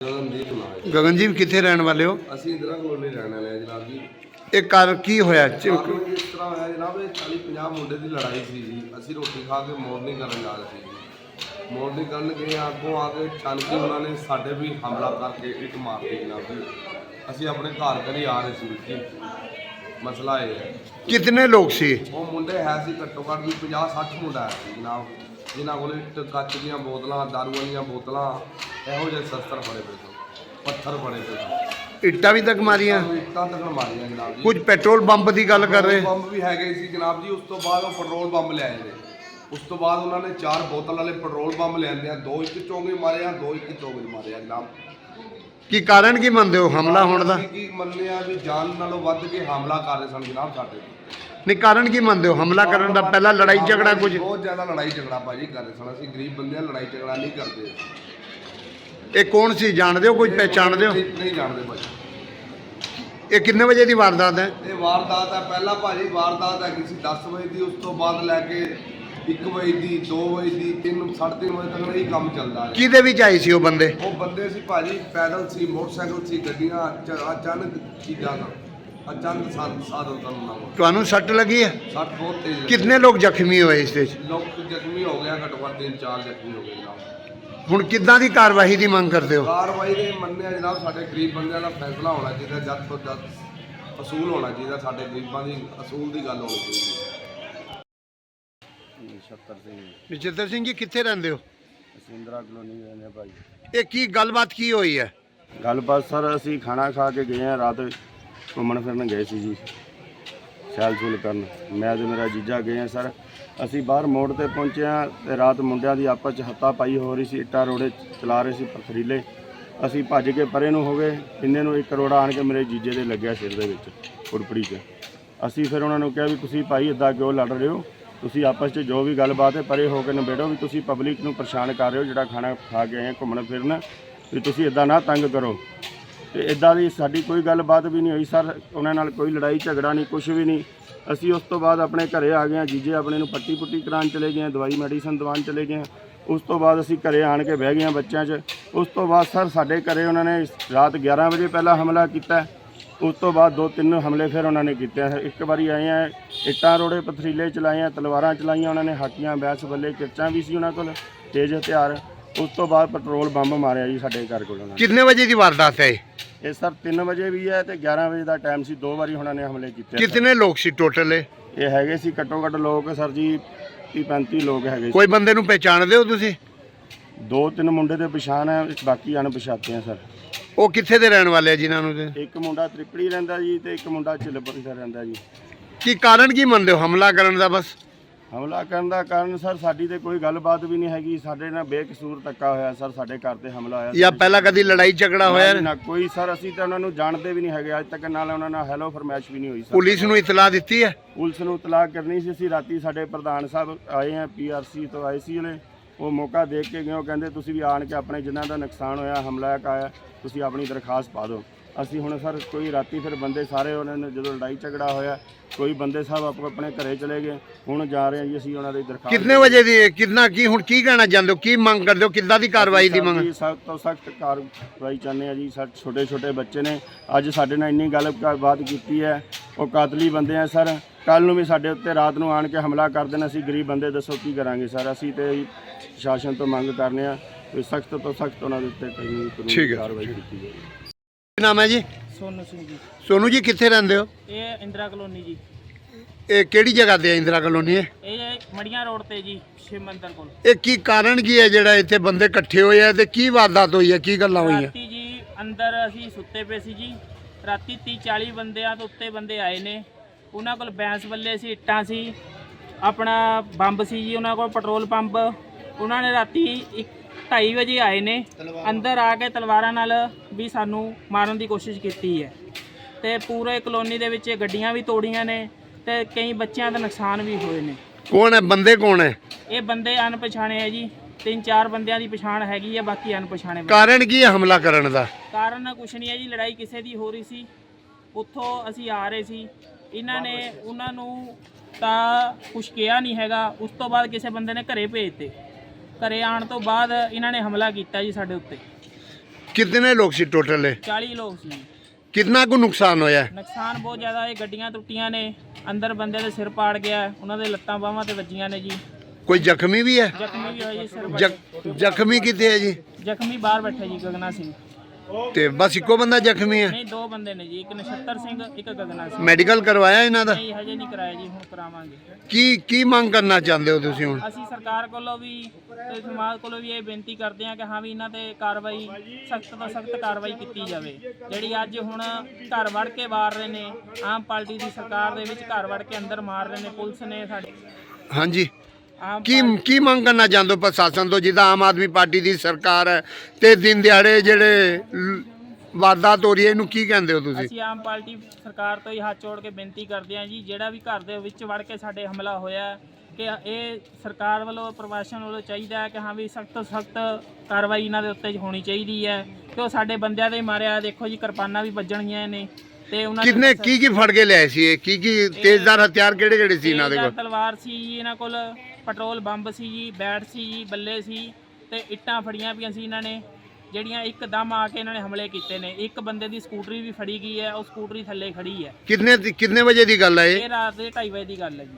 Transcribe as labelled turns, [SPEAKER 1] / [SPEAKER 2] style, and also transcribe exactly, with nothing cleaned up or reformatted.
[SPEAKER 1] गगनजीत कितने रहने वाले हो?
[SPEAKER 2] ਅਸੀਂ ਇੰਦਰਾ ਕਲੋਨੀ ਰਹਿਣ ਵਾਲੇ ਆ ਜਨਾਬ ਜੀ।
[SPEAKER 1] ਇਹ ਕਾਰ ਕੀ ਹੋਇਆ?
[SPEAKER 2] ਇਸ ਤਰ੍ਹਾਂ ਹੋਇਆ ਜਨਾਬ, ਇਹ ਚਾਲੀ ਪੰਜਾਹ ਮੁੰਡੇ ਦੀ ਲੜਾਈ ਸੀ ਜੀ। ਅਸੀਂ ਰੋਟੀ ਖਾ ਕੇ ਮੋਰਨਿੰਗ ਕਰਨ ਜਾ ਰਹੇ ਸੀ ਜੀ। ਮੋਰਨਿੰਗ ਕਰਨ ਗਏ, ਅੱਗੋਂ ਆ ਕੇ ਅਚਾਨਕ ਉਹਨਾਂ ਨੇ ਸਾਡੇ ਵੀ ਹਮਲਾ ਕਰਕੇ ਇੱਟ ਮਾਰਤੀ ਜਨਾਬ ਜੀ। ਅਸੀਂ ਆਪਣੇ ਘਰ ਘਰੀ ਆ ਰਹੇ ਸੀ ਜੀ। ਮਸਲਾ ਇਹ ਹੈ।
[SPEAKER 1] कितने लोग सी?
[SPEAKER 2] ਉਹ ਮੁੰਡੇ ਹੈ ਸੀ ਘੱਟੋ ਘੱਟ ਵੀ ਪੰਜਾਹ ਸੱਠ ਮੁੰਡਾ ਹੈ ਸੀ ਜਨਾਬ, ਜਿਨ੍ਹਾਂ ਕੋਲ ਇੱਟ ਕੱਚ ਦੀਆਂ ਬੋਤਲਾਂ, ਦਾਰੂ ਵਾਲੀਆਂ ਬੋਤਲਾਂ, ਇਹੋ ਜਿਹੇ ਸ਼ਸਤਰ ਫੜੇ ਪਏ ਸਨ, ਪੱਥਰ ਫੜੇ ਪਏ ਸਨ।
[SPEAKER 1] ਇੱਟਾਂ ਵੀ ਤੱਕ ਮਾਰੀਆਂ?
[SPEAKER 2] ਇੱਟਾਂ ਤੱਕ ਮਾਰੀਆਂ ਜਨਾਬ ਜੀ।
[SPEAKER 1] ਕੁਝ ਪੈਟਰੋਲ ਪੰਪ ਦੀ ਗੱਲ ਕਰ ਰਹੇ?
[SPEAKER 2] ਬੰਬ ਵੀ ਹੈਗੇ ਸੀ ਜਨਾਬ ਜੀ। ਉਸ ਤੋਂ ਬਾਅਦ ਉਹ ਪੈਟਰੋਲ ਬੰਬ ਲਿਆਏ ਨੇ। ਉਸ ਤੋਂ ਬਾਅਦ ਉਹਨਾਂ ਨੇ ਚਾਰ ਬੋਤਲ ਵਾਲੇ ਪੈਟਰੋਲ ਬੰਬ ਲਿਆਂਦੇ ਆ। ਦੋ ਇੱਕ ਚੌਂਗੇ ਮਾਰੇ ਆ, ਦੋ ਇੱਕ ਚੌਂਗੇ ਮਾਰੇ ਆ ਜਨਾਬ।
[SPEAKER 1] ਕੀ ਕਾਰਨ ਕੀ ਮੰਨਦੇ ਹੋ ਹਮਲਾ ਹੋਣ ਦਾ?
[SPEAKER 2] ਕੀ ਮੰਨਦੇ ਆ ਵੀ ਜਾਨ ਨਾਲੋਂ ਵੱਧ ਕੇ ਹਮਲਾ ਕਰ ਰਹੇ ਸਨ ਜਨਾਬ ਸਾਡੇ ਤੇ।
[SPEAKER 1] ਨਹੀਂ, ਕਾਰਨ ਕੀ ਮੰਨਦੇ ਹੋ ਹਮਲਾ ਕਰਨ ਦਾ? ਪਹਿਲਾਂ ਲੜਾਈ ਝਗੜਾ ਕੁਝ?
[SPEAKER 2] ਬਹੁਤ ਜ਼ਿਆਦਾ ਲੜਾਈ ਝਗੜਾ ਭਾਜੀ ਕਰ ਰਹੇ ਸਨ। ਅਸੀਂ ਗਰੀਬ ਬੰਦੇ ਆ, ਲੜਾਈ ਝਗੜਾ ਨਹੀਂ ਕਰਦੇ।
[SPEAKER 1] ਇਹ ਕੌਣ ਸੀ, ਜਾਣਦੇ ਹੋ? ਕੁਝ ਪਹਿਚਾਣਦੇ ਹੋ?
[SPEAKER 2] ਨਹੀਂ ਜਾਣਦੇ ਭਾਜੀ।
[SPEAKER 1] ਇਹ ਕਿੰਨੇ ਵਜੇ ਦੀ ਵਾਰਦਾਤ ਹੈ?
[SPEAKER 2] ਇਹ ਵਾਰਦਾਤ ਹੈ ਪਹਿਲਾਂ ਭਾਜੀ, ਵਾਰਦਾਤ ਹੈਗੀ ਸੀ ਦਸ ਵਜੇ ਦੀ। ਉਸ ਤੋਂ ਬਾਅਦ ਲੈ ਕੇ ਇੱਕ ਵਜੇ ਦੀ, ਦੋ ਵਜੇ ਦੀ, ਤਿੰਨ ਸਾਢੇ ਤਿੰਨ ਵਜੇ ਤੱਕ ਇਹ ਕੰਮ ਚੱਲਦਾ ਹੈ।
[SPEAKER 1] ਕਿਹਦੇ ਵਿੱਚ ਆਏ ਸੀ ਉਹ ਬੰਦੇ?
[SPEAKER 2] ਉਹ ਬੰਦੇ ਸੀ ਭਾਜੀ ਪੈਦਲ ਸੀ, ਮੋਟਰਸਾਈਕਲ ਸੀ, ਗੱਡੀਆਂ। ਅਚ- ਅਚਾਨਕ ਚੀਜ਼ਾਂ ਦਾ ਅਚਾਨਕ ਸਾਧ ਸਾਧਨ ਕਰਨਾ।
[SPEAKER 1] ਤੁਹਾਨੂੰ ਸੱਟ ਲੱਗੀ ਹੈ?
[SPEAKER 2] ਸੱਟ ਬਹੁਤ ਤੇਜ਼ ਲੱਗੀ।
[SPEAKER 1] ਕਿੰਨੇ ਲੋਕ ਜ਼ਖਮੀ ਹੋਏ ਇਸ ਵਿੱਚ?
[SPEAKER 2] ਲੋਕ ਜ਼ਖਮੀ ਹੋ ਗਿਆ, ਘੱਟੋ ਘੱਟ ਤਿੰਨ ਚਾਰ ਜ਼ਖਮੀ ਹੋ ਗਏ ਜਨਾਬ।
[SPEAKER 1] ਹੁਣ ਕਿੱਦਾਂ ਦੀ ਕਾਰਵਾਈ ਦੀ ਮੰਗ ਕਰਦੇ ਹੋ?
[SPEAKER 2] ਕਾਰਵਾਈ ਦੇ ਮੰਨਿਆ ਜਨਾਬ, ਸਾਡੇ ਗਰੀਬ ਬੰਦਿਆਂ ਦਾ ਫੈਸਲਾ ਹੋਣਾ ਚਾਹੀਦਾ। ਜਦ ਤੋਂ ਜਦ ਅਸੂਲ ਹੋਣਾ ਚਾਹੀਦਾ। ਸਾਡੇ ਗਰੀਬਾਂ ਦੀ ਅਸੂਲ ਦੀ ਗੱਲ ਹੋਣੀ ਚਾਹੀਦੀ। ਨਛੱਤਰ ਸਿੰਘ।
[SPEAKER 1] ਨਛੱਤਰ ਸਿੰਘ ਜੀ ਕਿੱਥੇ ਰਹਿੰਦੇ ਹੋ?
[SPEAKER 2] ਅਸੀਂ ਇੰਦਰਾ ਕਲੋਨੀ ਰਹਿੰਦੇ ਭਾਈ।
[SPEAKER 1] ਇਹ ਕੀ ਗੱਲਬਾਤ ਕੀ ਹੋਈ ਹੈ?
[SPEAKER 2] ਗੱਲਬਾਤ ਸਰ, ਅਸੀਂ ਖਾਣਾ ਖਾ ਕੇ ਗਏ ਹਾਂ, ਰਾਤ ਘੁੰਮਣ ਫਿਰਨ ਗਏ ਸੀ ਜੀ, ਸੈਲ ਸੂਲ ਕਰਨ। ਮੈਂ ਤੇ ਮੇਰਾ ਜੀਜਾ ਗਏ ਹਾਂ ਸਰ। ਅਸੀਂ ਬਾਹਰ ਮੋੜ ਤੇ ਪਹੁੰਚੇ ਹਾਂ ਤੇ ਰਾਤ ਮੁੰਡਿਆਂ ਦੀ ਆਪਸ 'ਚ ਹੱਤਾ ਪਾਈ ਹੋ ਰਹੀ ਸੀ। ਇੱਟਾਂ ਰੋੜੇ ਚਲਾ ਰਹੇ ਸੀ, ਪਥਰੀਲੇ। ਅਸੀਂ ਭੱਜ ਕੇ ਪਰੇ ਨੂੰ ਹੋ ਗਏ। ਇੰਨੇ ਨੂੰ ਇੱਕ ਰੋੜਾ ਆਣ ਕੇ ਮੇਰੇ ਜੀਜੇ ਦੇ ਲੱਗਿਆ ਸਿਰ ਦੇ ਵਿੱਚ, ਕੁੜਪੜੀ 'ਚ। ਅਸੀਂ ਫਿਰ ਉਹਨਾਂ ਨੂੰ ਕਿਹਾ ਵੀ ਤੁਸੀਂ ਭਾਈ ਇੱਦਾਂ ਕਿਉਂ ਲੜ ਰਹੇ ਹੋ? ਤੁਸੀਂ ਆਪਸ 'ਚ ਜੋ ਵੀ ਗੱਲਬਾਤ ਹੈ ਪਰੇ ਹੋ ਕੇ ਨਿਬੇੜੋ। ਵੀ ਤੁਸੀਂ ਪਬਲਿਕ ਨੂੰ ਪਰੇਸ਼ਾਨ ਕਰ ਰਹੇ ਹੋ, ਜਿਹੜਾ ਖਾਣਾ ਖਾ ਕੇ ਆਏ ਘੁੰਮਣ ਫਿਰਨ, ਵੀ ਤੁਸੀਂ ਇੱਦਾਂ ਨਾ ਤੰਗ ਕਰੋ। ਤੇ ਇੱਦਾਂ ਦੀ ਸਾਡੀ ਕੋਈ ਗੱਲਬਾਤ ਵੀ ਨਹੀਂ ਹੋਈ ਸਰ। ਉਹਨਾਂ ਨਾਲ ਕੋਈ ਲੜਾਈ ਝਗੜਾ ਨਹੀਂ, ਕੁਛ ਵੀ ਨਹੀਂ। ਅਸੀਂ ਉਸ ਤੋਂ ਬਾਅਦ ਆਪਣੇ ਘਰੇ ਆ ਗਏ ਹਾਂ। ਜੀਜੇ ਆਪਣੇ ਨੂੰ ਪੱਟੀ ਪੁੱਟੀ ਕਰਾਉਣ ਚਲੇ ਗਏ, ਦਵਾਈ ਮੈਡੀਸਨ ਦਵਾਉਣ ਚਲੇ ਗਏ। ਉਸ ਤੋਂ ਬਾਅਦ ਅਸੀਂ ਘਰੇ ਆਣ ਕੇ ਬਹਿ ਗਏ ਹਾਂ ਬੱਚਿਆਂ 'ਚ। ਉਸ ਤੋਂ ਬਾਅਦ ਸਰ ਸਾਡੇ ਘਰੇ ਉਹਨਾਂ ਨੇ ਰਾਤ ਗਿਆਰਾਂ ਵਜੇ ਪਹਿਲਾਂ ਹਮਲਾ ਕੀਤਾ। ਉਸ ਤੋਂ ਬਾਅਦ ਦੋ ਤਿੰਨ ਹਮਲੇ ਫਿਰ ਉਹਨਾਂ ਨੇ ਕੀਤੇ। ਇੱਕ ਵਾਰੀ ਆਏ ਆ, ਇੱਟਾਂ ਰੋੜੇ ਪਥਰੀਲੇ ਚਲਾਏ ਆ, ਤਲਵਾਰਾਂ ਚਲਾਈਆਂ ਉਹਨਾਂ ਨੇ, ਹਾਕੀਆਂ ਬੈਸ ਬੱਲੇ, ਕਿਰਚਾਂ ਵੀ ਸੀ ਉਹਨਾਂ ਕੋਲ, ਤੇਜ਼ ਹਥਿਆਰ। ਉਸ ਤੋਂ ਬਾਅਦ ਪੈਟਰੋਲ ਬੰਬ ਮਾਰਿਆ ਜੀ ਸਾਡੇ ਘਰ ਕੋਲ ਉਹਨਾਂ ਨੇ।
[SPEAKER 1] ਕਿੰਨੇ ਵਜੇ ਦੀ ਵਾਰਦਾਤ ਹੈ
[SPEAKER 2] ਇਹ ਸਰ ਤਿੰਨ ਵਜੇ ਵੀ ਹੈ ਤੇ ਗਿਆਰਾਂ ਵਜੇ ਦਾ ਟਾਈਮ ਸੀ। ਦੋ ਵਾਰੀ ਉਹਨਾਂ ਨੇ ਹਮਲੇ ਕੀਤੇ।
[SPEAKER 1] ਕਿੰਨੇ ਲੋਕ ਸੀ ਟੋਟਲ?
[SPEAKER 2] ਇਹ ਹੈਗੇ ਸੀ ਘੱਟੋ ਘੱਟ ਲੋਕ ਸਰ ਜੀ ਤੀਹ ਪੈਂਤੀ ਲੋਕ ਹੈਗੇ ਸੀ।
[SPEAKER 1] ਕੋਈ ਬੰਦੇ ਨੂੰ ਪਹਿਚਾਣਦੇ ਹੋ ਤੁਸੀਂ?
[SPEAKER 2] ਦੋ ਤਿੰਨ ਮੁੰਡੇ ਦੇ ਪਛਾਣ ਹੈ, ਬਾਕੀ ਅਣਪਛਾਤੇ ਆ ਸਰ।
[SPEAKER 1] ਉਹ ਕਿੱਥੇ ਦੇ ਰਹਿਣ ਵਾਲੇ ਆ ਜਿਨ੍ਹਾਂ ਨੂੰ?
[SPEAKER 2] ਇੱਕ ਮੁੰਡਾ ਤ੍ਰਿਪੜੀ ਰਹਿੰਦਾ ਜੀ ਤੇ ਇੱਕ ਮੁੰਡਾ ਚਿਲਬਨ ਦਾ ਰਹਿੰਦਾ ਜੀ।
[SPEAKER 1] ਕੀ ਕਾਰਨ ਕੀ ਮੰਨਦੇ ਹੋ ਹਮਲਾ ਕਰਨ ਦਾ? ਬਸ
[SPEAKER 2] ਹਮਲਾ ਕਰਨ ਦਾ ਕਾਰਨ ਸਰ ਸਾਡੀ ਤੇ ਕੋਈ ਗੱਲਬਾਤ ਵੀ ਨਹੀਂ ਹੈਗੀ। ਸਾਡੇ ਨਾਲ ਬੇਕਸੂਰ ਧੱਕਾ ਹੋਇਆ ਸਰ, ਸਾਡੇ ਘਰ ਤੇ ਹਮਲਾ ਹੋਇਆ।
[SPEAKER 1] ਜਾਂ ਪਹਿਲਾਂ ਕਦੀ ਲੜਾਈ ਝਗੜਾ ਹੋਇਆ?
[SPEAKER 2] ਨਾ ਕੋਈ ਸਰ। ਅਸੀਂ ਤਾਂ ਉਹਨਾਂ ਨੂੰ ਜਾਣਦੇ ਵੀ ਨਹੀਂ ਹੈਗੇ ਅੱਜ ਤੱਕ, ਨਾਲ ਉਹਨਾਂ ਨਾਲ ਹੈਲੋ ਫਰਮੈਸ਼ ਵੀ ਨਹੀਂ ਹੋਈ ਸਰ।
[SPEAKER 1] ਪੁਲਿਸ ਨੂੰ ਇਤਲਾਹ ਦਿੱਤੀ ਹੈ?
[SPEAKER 2] ਪੁਲਿਸ ਨੂੰ ਇਤਲਾਹ ਕਰਨੀ ਸੀ ਅਸੀਂ। ਰਾਤੀ ਸਾਡੇ ਪ੍ਰਧਾਨ ਸਾਹਿਬ ਆਏ ਆ, ਪੀ ਆਰ ਸੀ ਤੋਂ ਆਏ ਸੀ ਉਹਨੇ। ਉਹ ਮੌਕਾ ਦੇਖ ਕੇ ਗਏ। ਉਹ ਕਹਿੰਦੇ ਤੁਸੀਂ ਵੀ ਆਣ ਕੇ ਆਪਣੇ ਜਿਨ੍ਹਾਂ ਦਾ ਨੁਕਸਾਨ ਹੋਇਆ, ਹਮਲਾ ਆਇਆ, ਤੁਸੀਂ ਆਪਣੀ ਦਰਖਾਸਤ ਪਾ ਦਿਓ। ਅਸੀਂ ਹੁਣ ਸਰ ਕੋਈ ਰਾਤੀ ਫਿਰ ਬੰਦੇ ਸਾਰੇ ਉਹਨਾਂ ਨੇ ਜਦੋਂ ਲੜਾਈ ਝਗੜਾ ਹੋਇਆ, ਕੋਈ ਬੰਦੇ ਸਾਹਿਬ ਆਪੋ ਆਪਣੇ ਘਰੇ ਚਲੇ ਗਏ। ਹੁਣ ਜਾ ਰਹੇ ਹਾਂ ਜੀ ਅਸੀਂ ਉਹਨਾਂ ਦੀ ਦਰਖਾਸਤ।
[SPEAKER 1] ਕਿੰਨੇ ਵਜੇ ਦੀ? ਕਿੰਨਾ ਕੀ ਹੁਣ ਕੀ ਕਹਿਣਾ ਚਾਹੁੰਦੇ ਹੋ? ਕੀ ਮੰਗ ਕਰਦੇ ਹੋ? ਕਿੱਦਾਂ ਦੀ ਕਾਰਵਾਈ ਦੀ ਮੰਗ?
[SPEAKER 2] ਸਖਤ ਤੋਂ ਸਖਤ ਕਾਰਵਾਈ ਚਾਹੁੰਦੇ ਆ ਜੀ। ਸਾਡੇ ਛੋਟੇ ਛੋਟੇ ਬੱਚੇ ਨੇ, ਅੱਜ ਸਾਡੇ ਨਾਲ ਇੰਨੀ ਗੱਲਬਾਤ ਕੀਤੀ ਹੈ। ਉਹ ਕਾਤਲੀ ਬੰਦੇ ਆ ਸਰ। ਕੱਲ ਨੂੰ ਵੀ ਸਾਡੇ ਉੱਤੇ ਰਾਤ ਨੂੰ ਆਣ ਕੇ ਹਮਲਾ ਕਰ ਦੇਣਾ। ਅਸੀਂ ਗਰੀਬ ਬੰਦੇ ਦੱਸੋ ਕੀ ਕਰਾਂਗੇ ਸਰ? ਅਸੀਂ ਤੇ ਸ਼ਾਸਨ ਤੋਂ ਮੰਗ ਕਰਨੇ ਆ ਵੀ ਸਖਤ ਤੋਂ ਸਖਤ ਉਹਨਾਂ ਦੇ ਉੱਤੇ ਕਾਨੂੰਨੀ ਕਾਰਵਾਈ ਕੀਤੀ ਜਾਵੇ।
[SPEAKER 1] ਕੀ ਨਾਮ ਹੈ ਜੀ?
[SPEAKER 3] ਸੋਨੂ ਸਿੰਘ ਜੀ।
[SPEAKER 1] ਸੋਨੂ ਜੀ ਕਿੱਥੇ ਰਹਿੰਦੇ ਹੋ?
[SPEAKER 3] ਇਹ ਇੰਦਰਾ ਕਲੋਨੀ ਜੀ।
[SPEAKER 1] ਇਹ ਕਿਹੜੀ ਜਗ੍ਹਾ ਤੇ ਹੈ ਇੰਦਰਾ ਕਲੋਨੀ? ਹੈ
[SPEAKER 3] ਇਹ ਮੜੀਆਂ ਰੋਡ ਤੇ ਜੀ, ਸ਼ਿਵ ਮੰਦਰ ਕੋਲ।
[SPEAKER 1] ਇਹ ਕੀ ਕਾਰਨ ਕੀ ਹੈ ਜਿਹੜਾ ਇੱਥੇ ਬੰਦੇ ਇਕੱਠੇ ਹੋਏ ਆ ਤੇ ਕੀ ਵਾਰਦਾਤ ਹੋਈ ਹੈ? ਕੀ ਗੱਲਾਂ ਹੋਈਆਂ?
[SPEAKER 3] ਰਾਤੀ ਜੀ ਅੰਦਰ ਅਸੀਂ ਸੁੱਤੇ ਪਏ ਸੀ ਜੀ। ਰਾਤੀ ਤੀਹ ਚਾਲੀ ਬੰਦਿਆਂ ਤੋਂ ਉੱਤੇ ਬੰਦੇ ਆਏ ਨੇ। ਉਹਨਾਂ ਕੋਲ ਬੈਂਸ ਬੱਲੇ ਸੀ, ਇੱਟਾਂ ਸੀ, ਆਪਣਾ ਬੰਬ ਸੀ ਜੀ ਉਹਨਾਂ ਕੋਲ, ਪੈਟਰੋਲ ਪੰਪ। ਉਹਨਾਂ ਨੇ ਰਾਤੀ ਇੱਕ ਢਾਈ ਵਜੇ ਆਏ ਨੇ। ਅੰਦਰ ਆ ਕੇ ਤਲਵਾਰਾਂ ਨਾਲ ਵੀ ਸਾਨੂੰ ਮਾਰਨ ਦੀ ਕੋਸ਼ਿਸ਼ ਕੀਤੀ ਹੈ ਤੇ ਪੂਰੇ ਕਲੋਨੀ ਦੇ ਵਿੱਚ ਗੱਡੀਆਂ ਵੀ ਤੋੜੀਆਂ ਨੇ ਤੇ ਕਈ ਬੱਚਿਆਂ ਦਾ ਨੁਕਸਾਨ ਵੀ ਹੋਏ ਨੇ।
[SPEAKER 1] ਕੌਣ ਹੈ ਬੰਦੇ? ਕੌਣ ਹੈ
[SPEAKER 3] ਇਹ ਬੰਦੇ? ਅਣਪਛਾਣੇ ਹੈ ਜੀ। ਤਿੰਨ ਚਾਰ ਬੰਦਿਆਂ ਦੀ ਪਛਾਣ ਹੈਗੀ ਹੈ, ਬਾਕੀ ਅਣਪਛਾਣੇ।
[SPEAKER 1] ਕਾਰਨ ਕੀ ਹੈ ਹਮਲਾ ਕਰਨ ਦਾ?
[SPEAKER 3] ਕਾਰਨ ਕੁਛ ਨਹੀਂ ਹੈ ਜੀ, ਲੜਾਈ ਕਿਸੇ ਦੀ ਹੋ ਰਹੀ ਸੀ। ਉੱਥੋਂ ਅਸੀਂ ਆ ਰਹੇ ਸੀ, ਇਹਨਾਂ ਨੇ ਉਹਨਾਂ ਨੂੰ ਤਾਂ ਕੁਛ ਕਿਹਾ ਨਹੀਂ ਹੈਗਾ। ਉਸ ਤੋਂ ਬਾਅਦ ਕਿਸੇ ਬੰਦੇ ਨੇ ਘਰੇ ਭੇਜਤੇ। ਘਰੇ ਆਉਣ ਤੋਂ ਬਾਅਦ ਇਹਨਾਂ ਨੇ ਹਮਲਾ ਕੀਤਾ ਜੀ ਸਾਡੇ ਉੱਤੇ।
[SPEAKER 1] ਕਿੰਨੇ ਲੋਕ ਸੀ ਟੋਟਲ ਇਹ?
[SPEAKER 3] ਚਾਲੀ ਲੋਕ ਸੀ।
[SPEAKER 1] ਕਿੰਨਾ ਕੁ ਨੁਕਸਾਨ ਹੋਇਆ?
[SPEAKER 3] ਨੁਕਸਾਨ ਬਹੁਤ ਜ਼ਿਆਦਾ ਹੈ, ਗੱਡੀਆਂ ਟੁੱਟੀਆਂ ਨੇ, ਅੰਦਰ ਬੰਦੇ ਦੇ ਸਿਰ ਪਾੜ ਗਿਆ, ਉਹਨਾਂ ਦੇ ਲੱਤਾਂ ਬਾਹਾਂ ਤੇ ਵੱਜੀਆਂ ਨੇ ਜੀ।
[SPEAKER 1] ਕੋਈ ਜ਼ਖਮੀ ਵੀ ਹੈ?
[SPEAKER 3] ਜ਼ਖਮੀ ਵੀ ਹੋਏ ਜੀ, ਸਿਰ
[SPEAKER 1] ਜ਼ਖ-
[SPEAKER 3] ਵੱਜੇ।
[SPEAKER 1] ਜ਼ਖਮੀ ਕਿੱਥੇ ਹੈ ਜੀ?
[SPEAKER 3] ਜ਼ਖਮੀ ਬਾਹਰ ਬੈਠੇ ਜੀ, ਗਗਨਾ ਸਿੰਘ।
[SPEAKER 1] ਤੇ ਬਸ ਇੱਕੋ ਬੰਦਾ ਜ਼ਖਮੀ ਹੈ?
[SPEAKER 3] ਨਹੀਂ, ਦੋ ਬੰਦੇ ਨੇ ਜੀ, ਇੱਕ ਨਛੱਤਰ ਸਿੰਘ, ਇੱਕ ਗਗਨਾ ਸਿੰਘ।
[SPEAKER 1] ਮੈਡੀਕਲ ਕਰਵਾਇਆ ਇਹਨਾਂ ਦਾ?
[SPEAKER 3] ਨਹੀਂ, ਹਜੇ ਨਹੀਂ ਕਰਾਇਆ ਜੀ, ਹੁਣ ਕਰਾਵਾਂਗੇ।
[SPEAKER 1] ਕੀ ਕੀ ਮੰਗ ਕਰਨਾ ਚਾਹੁੰਦੇ ਹੋ ਤੁਸੀਂ ਹੁਣ?
[SPEAKER 3] ਅਸੀਂ ਸਰਕਾਰ ਕੋਲੋਂ ਵੀ ਤੇ ਸਮਾਜ ਕੋਲੋਂ ਵੀ ਇਹ ਬੇਨਤੀ ਕਰਦੇ ਹਾਂ ਕਿ ਹਾਂ ਵੀ ਇਹਨਾਂ ਤੇ ਕਾਰਵਾਈ, ਸਖਤ ਤੋਂ ਸਖਤ ਕਾਰਵਾਈ ਕੀਤੀ ਜਾਵੇ। ਜਿਹੜੀ ਅੱਜ ਹੁਣ ਘਰ ਵੜ ਕੇ ਮਾਰ ਰਹੇ ਨੇ, ਆਮ ਪਾਰਟੀ ਦੀ ਸਰਕਾਰ ਦੇ ਵਿੱਚ ਘਰ ਵੜ ਕੇ ਅੰਦਰ ਮਾਰ ਰਹੇ ਨੇ, ਪੁਲਿਸ ਨੇ ਸਾਡੇ
[SPEAKER 1] ਹਾਂਜੀ,
[SPEAKER 3] ਆਮ
[SPEAKER 1] ਕੀ ਕੀ ਮੰਗ ਕਰਨਾ ਚਾਹੁੰਦੇ ਹੋ ਪ੍ਰਸ਼ਾਸਨ ਤੋਂ? ਜਿੱਦਾਂ ਆਮ ਆਦਮੀ ਪਾਰਟੀ ਦੀ ਸਰਕਾਰ ਹੈ ਤੇ ਦਿਨ ਦਿਹਾੜੇ ਜਿਹੜੇ ਲ- ਵਾਰਦਾਤ ਹੋ ਰਹੀ ਹੈ, ਇਹਨੂੰ ਕੀ ਕਹਿੰਦੇ ਹੋ ਤੁਸੀਂ?
[SPEAKER 3] ਅਸੀਂ ਆਮ ਪਾਰਟੀ ਸਰਕਾਰ ਤੋਂ ਹੀ ਹੱਥ ਜੋੜ ਕੇ ਬੇਨਤੀ ਕਰਦੇ ਹਾਂ ਜੀ, ਜਿਹੜਾ ਵੀ ਘਰ ਦੇ ਵਿੱਚ ਵੜ ਕੇ ਸਾਡੇ ਹਮਲਾ ਹੋਇਆ, ਕਿ ਇਹ ਸਰਕਾਰ ਵੱਲੋਂ, ਪ੍ਰਸ਼ਾਸਨ ਵੱਲੋਂ ਚਾਹੀਦਾ ਹੈ ਕਿ ਹਾਂ ਵੀ ਸਖਤ ਤੋਂ ਸਖਤ ਕਾਰਵਾਈ ਇਹਨਾਂ ਦੇ ਉੱਤੇ ਹੋਣੀ ਚਾਹੀਦੀ ਹੈ, ਕਿ ਉਹ ਸਾਡੇ ਬੰਦਿਆਂ ਦੇ ਮਾਰਿਆ। ਦੇਖੋ ਜੀ, ਕਿਰਪਾਨਾਂ ਵੀ ਵੱਜਣਗੀਆਂ ਨੇ ਤੇ ਉਹਨਾਂ ਦੇ
[SPEAKER 1] ਕਿੰਨੇ ਕੀ ਕੀ ਫੜ ਕੇ ਲਿਆਏ ਸੀ ਇਹ? ਕੀ ਕੀ ਤੇਜ਼ਦਾਰ ਹਥਿਆਰ ਕਿਹੜੇ ਕਿਹੜੇ ਸੀ ਇਹਨਾਂ ਦੇ
[SPEAKER 3] ਤੇਜ਼ਧਾਰ
[SPEAKER 1] ਕੋਲ?
[SPEAKER 3] ਤਲਵਾਰ ਸੀ ਜੀ ਇਹਨਾਂ ਕੋਲ, ਪੈਟਰੋਲ ਬੰਬ ਸੀ ਜੀ, ਬੈਟ ਸੀ ਜੀ, ਬੱਲੇ ਸੀ ਤੇ ਇੱਟਾਂ ਫੜੀਆਂ ਪਈਆਂ ਸੀ ਇਹਨਾਂ ਨੇ, ਜਿਹੜੀਆਂ ਇੱਕਦਮ ਆ ਕੇ ਇਹਨਾਂ ਨੇ ਹਮਲੇ ਕੀਤੇ ਨੇ। ਇੱਕ ਬੰਦੇ ਦੀ ਸਕੂਟਰੀ ਵੀ ਫੜੀ ਗਈ ਹੈ, ਉਹ ਸਕੂਟਰੀ ਥੱਲੇ ਖੜੀ ਹੈ।
[SPEAKER 1] ਕਿੰਨੇ ਕਿੰਨੇ ਵਜੇ ਦੀ ਗੱਲ ਹੈ ਇਹ?
[SPEAKER 3] ਇਹ ਰਾਤ ਦੇ ਢਾਈ ਵਜੇ ਦੀ ਗੱਲ ਹੈ ਜੀ।